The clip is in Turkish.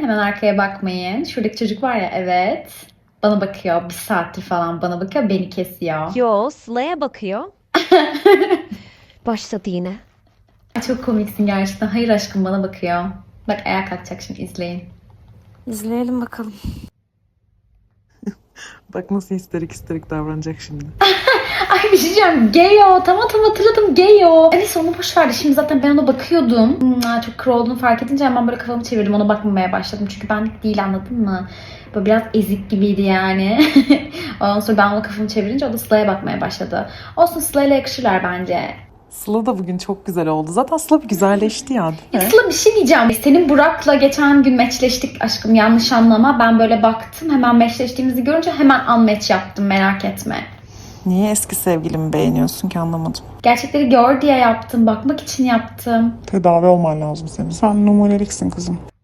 Hemen arkaya bakmayın. Şuradaki çocuk var ya, evet. Bana bakıyor. Bir saattir falan bana bakıyor. Beni kesiyor. Yo, Sıla'ya bakıyor. Başladı yine. Çok komiksin gerçekten. Hayır aşkım, bana bakıyor. Bak ayağa kalkacak şimdi, izleyin. İzleyelim bakalım. Bak nasıl isterik davranacak şimdi. Ay bir şey diyeceğim. Geyo. Tamam hatırladım. Geyo. Evet onu boş verdi. Şimdi zaten ben ona bakıyordum. Çok kır olduğunu fark edince hemen böyle kafamı çevirdim. Ona bakmamaya başladım. Çünkü benlik değil, anladın mı? Böyle biraz ezik gibiydi yani. Ondan sonra ben ona kafamı çevirince o da Sıla'ya bakmaya başladı. Olsun, Sıla'yla yakışırlar bence. Sıla da bugün çok güzel oldu. Zaten Sıla bir güzelleşti ya, değil mi? Sıla bir şey diyeceğim. Senin Burak'la geçen gün meçleştik aşkım, yanlış anlama. Ben böyle baktım, hemen meçleştiğimizi görünce hemen unmatch yaptım, merak etme. Niye eski sevgilimi beğeniyorsun ki, anlamadım. Gerçekleri gör diye yaptım, bakmak için yaptım. Tedavi olman lazım senin. Sen numuneliksin kızım.